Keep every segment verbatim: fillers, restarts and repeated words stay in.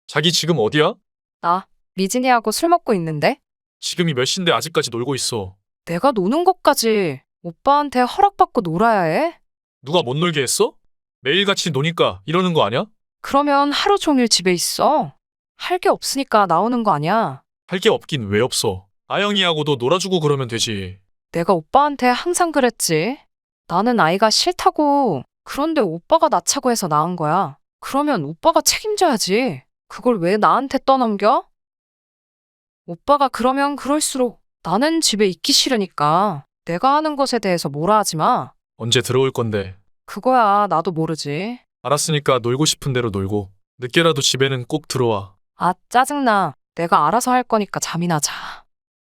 자기 지금 어디야? 나 미진이하고 술 먹고 있는데? 지금이 몇 시인데 아직까지 놀고 있어. 내가 노는 것까지 오빠한테 허락받고 놀아야 해? 누가 못 놀게 했어? 매일같이 노니까 이러는 거 아니야? 그러면 하루 종일 집에 있어. 할 게 없으니까 나오는 거 아니야. 할 게 없긴 왜 없어. 아영이하고도 놀아주고 그러면 되지. 내가 오빠한테 항상 그랬지. 나는 아이가 싫다고. 그런데 오빠가 낳자고 해서 낳은 거야. 그러면 오빠가 책임져야지. 그걸 왜 나한테 떠넘겨? 오빠가 그러면 그럴수록 나는 집에 있기 싫으니까 내가 하는 것에 대해서 뭐라 하지 마. 언제 들어올 건데. 그거야 나도 모르지. 알았으니까 놀고 싶은 대로 놀고. 늦게라도 집에는 꼭 들어와. 아, 짜증나. 내가 알아서 할 거니까 잠이나 자.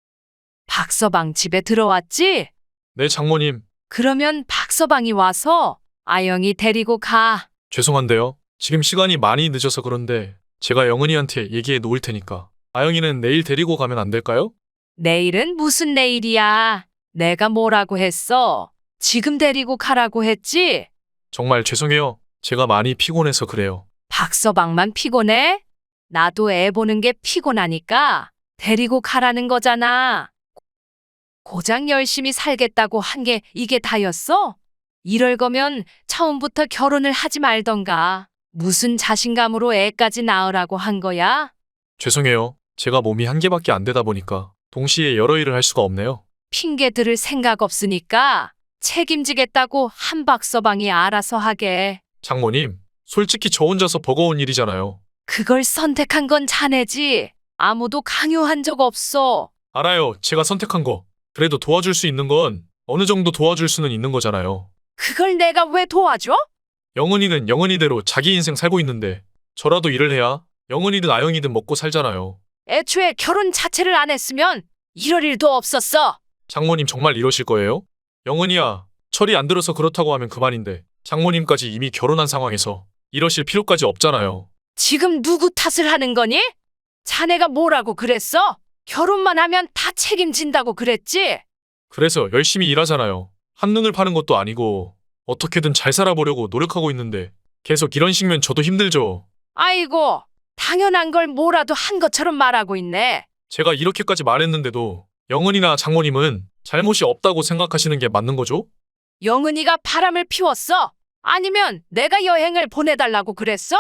박서방 집에 들어왔지? 네, 장모님. 그러면 박서방이 와서 아영이 데리고 가. 죄송한데요. 지금 시간이 많이 늦어서 그런데 제가 영은이한테 얘기해 놓을 테니까. 아영이는 내일 데리고 가면 안 될까요? 내일은 무슨 내일이야? 내가 뭐라고 했어? 지금 데리고 가라고 했지? 정말 죄송해요. 제가 많이 피곤해서 그래요. 박서방만 피곤해? 나도 애 보는 게 피곤하니까 데리고 가라는 거잖아. 고작 열심히 살겠다고 한 게 이게 다였어? 이럴 거면 처음부터 결혼을 하지 말던가. 무슨 자신감으로 애까지 낳으라고 한 거야? 죄송해요. 제가 몸이 한 개밖에 안 되다 보니까 동시에 여러 일을 할 수가 없네요. 핑계 들을 생각 없으니까 책임지겠다고 한 박서방이 알아서 하게. 장모님, 솔직히 저 혼자서 버거운 일이잖아요. 그걸 선택한 건 자네지. 아무도 강요한 적 없어. 알아요. 제가 선택한 거. 그래도 도와줄 수 있는 건 어느 정도 도와줄 수는 있는 거잖아요. 그걸 내가 왜 도와줘? 영은이는 영은이대로 자기 인생 살고 있는데 저라도 일을 해야 영은이든 아영이든 먹고 살잖아요. 애초에 결혼 자체를 안 했으면 이럴 일도 없었어. 장모님 정말 이러실 거예요? 영은이야, 철이 안 들어서 그렇다고 하면 그만인데 장모님까지 이미 결혼한 상황에서 이러실 필요까지 없잖아요. 지금 누구 탓을 하는 거니? 자네가 뭐라고 그랬어? 결혼만 하면 다 책임진다고 그랬지? 그래서 열심히 일하잖아요. 한눈을 파는 것도 아니고 어떻게든 잘 살아보려고 노력하고 있는데 계속 이런 식면 저도 힘들죠. 아이고, 당연한 걸 뭐라도 한 것처럼 말하고 있네. 제가 이렇게까지 말했는데도 영은이나 장모님은 잘못이 없다고 생각하시는 게 맞는 거죠? 영은이가 바람을 피웠어? 아니면 내가 여행을 보내달라고 그랬어?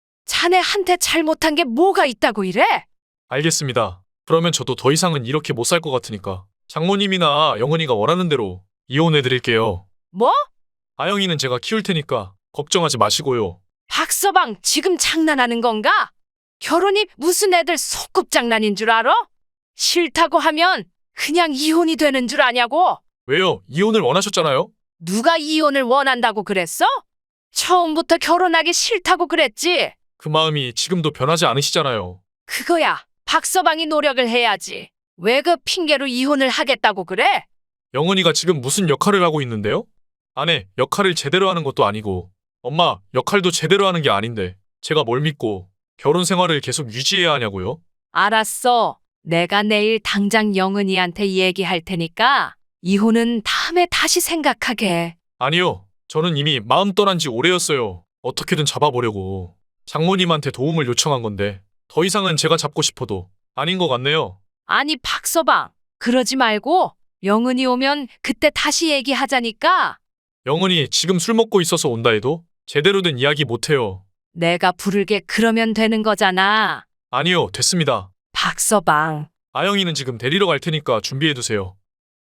자네한테 잘못한 게 뭐가 있다고 이래? 알겠습니다. 그러면 저도 더 이상은 이렇게 못 살 것 같으니까 장모님이나 영은이가 원하는 대로 이혼해드릴게요. 뭐? 아영이는 제가 키울 테니까 걱정하지 마시고요. 박서방 지금 장난하는 건가? 결혼이 무슨 애들 소꿉장난인 줄 알아? 싫다고 하면 그냥 이혼이 되는 줄 아냐고? 왜요? 이혼을 원하셨잖아요? 누가 이혼을 원한다고 그랬어? 처음부터 결혼하기 싫다고 그랬지? 그 마음이 지금도 변하지 않으시잖아요. 그거야. 박서방이 노력을 해야지. 왜 그 핑계로 이혼을 하겠다고 그래? 영은이가 지금 무슨 역할을 하고 있는데요? 아내, 역할을 제대로 하는 것도 아니고 엄마, 역할도 제대로 하는 게 아닌데 제가 뭘 믿고 결혼 생활을 계속 유지해야 하냐고요? 알았어. 내가 내일 당장 영은이한테 얘기할 테니까 이혼은 다음에 다시 생각하게. 아니요. 저는 이미 마음 떠난 지 오래였어요. 어떻게든 잡아보려고. 장모님한테 도움을 요청한 건데 더 이상은 제가 잡고 싶어도 아닌 것 같네요. 아니 박서방, 그러지 말고 영은이 오면 그때 다시 얘기하자니까. 영은이 지금 술 먹고 있어서 온다 해도 제대로 된 이야기 못해요. 내가 부르게 그러면 되는 거잖아. 아니요, 됐습니다. 박서방. 아영이는 지금 데리러 갈 테니까 준비해두세요.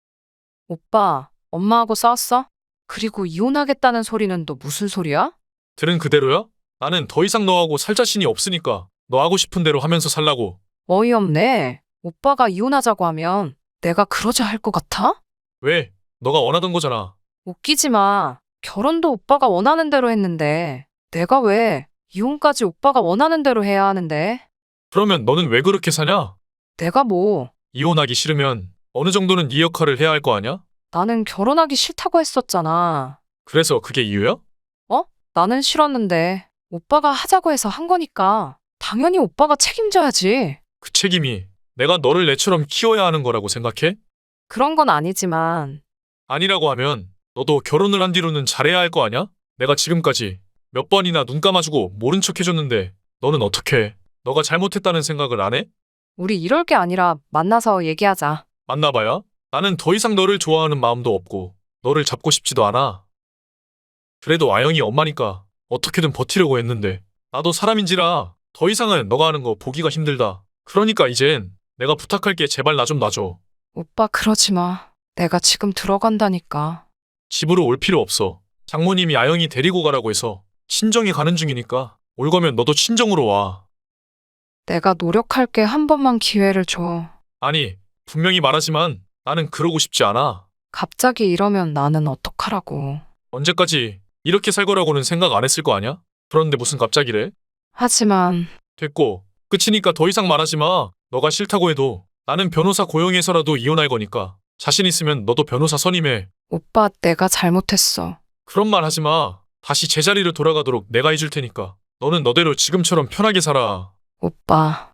오빠, 엄마하고 싸웠어? 그리고 이혼하겠다는 소리는 또 무슨 소리야? 들은 그대로야? 나는 더 이상 너하고 살 자신이 없으니까 너 하고 싶은 대로 하면서 살라고. 어이없네. 오빠가 이혼하자고 하면 내가 그러자 할 것 같아? 왜? 너가 원하던 거잖아. 웃기지 마. 결혼도 오빠가 원하는 대로 했는데 내가 왜 이혼까지 오빠가 원하는 대로 해야 하는데? 그러면 너는 왜 그렇게 사냐? 내가 뭐, 이혼하기 싫으면 어느 정도는 네 역할을 해야 할 거 아냐? 나는 결혼하기 싫다고 했었잖아. 그래서 그게 이유야? 어? 나는 싫었는데 오빠가 하자고 해서 한 거니까 당연히 오빠가 책임져야지. 그 책임이 내가 너를 내처럼 키워야 하는 거라고 생각해? 그런 건 아니지만 아니라고 하면 너도 결혼을 한 뒤로는 잘해야 할 거 아냐? 내가 지금까지 몇 번이나 눈 감아주고 모른 척 해줬는데 너는 어떻게 해? 너가 잘못했다는 생각을 안 해? 우리 이럴 게 아니라 만나서 얘기하자. 만나봐야? 나는 더 이상 너를 좋아하는 마음도 없고 너를 잡고 싶지도 않아. 그래도 아영이 엄마니까 어떻게든 버티려고 했는데 나도 사람인지라 더 이상은 너가 하는 거 보기가 힘들다. 그러니까 이젠 내가 부탁할게. 제발 나 좀 놔줘. 오빠 그러지 마. 내가 지금 들어간다니까. 집으로 올 필요 없어. 장모님이 아영이 데리고 가라고 해서 친정에 가는 중이니까 올 거면 너도 친정으로 와. 내가 노력할게. 한 번만 기회를 줘. 아니, 분명히 말하지만 나는 그러고 싶지 않아. 갑자기 이러면 나는 어떡하라고. 언제까지 이렇게 살 거라고는 생각 안 했을 거 아냐? 그런데 무슨 갑자기래? 하지만 됐고, 끝이니까 더 이상 말하지 마. 너가 싫다고 해도 나는 변호사 고용해서라도 이혼할 거니까 자신 있으면 너도 변호사 선임해. 오빠 내가 잘못했어. 그런 말 하지 마. 다시 제자리로 돌아가도록 내가 해줄 테니까 너는 너대로 지금처럼 편하게 살아. 오빠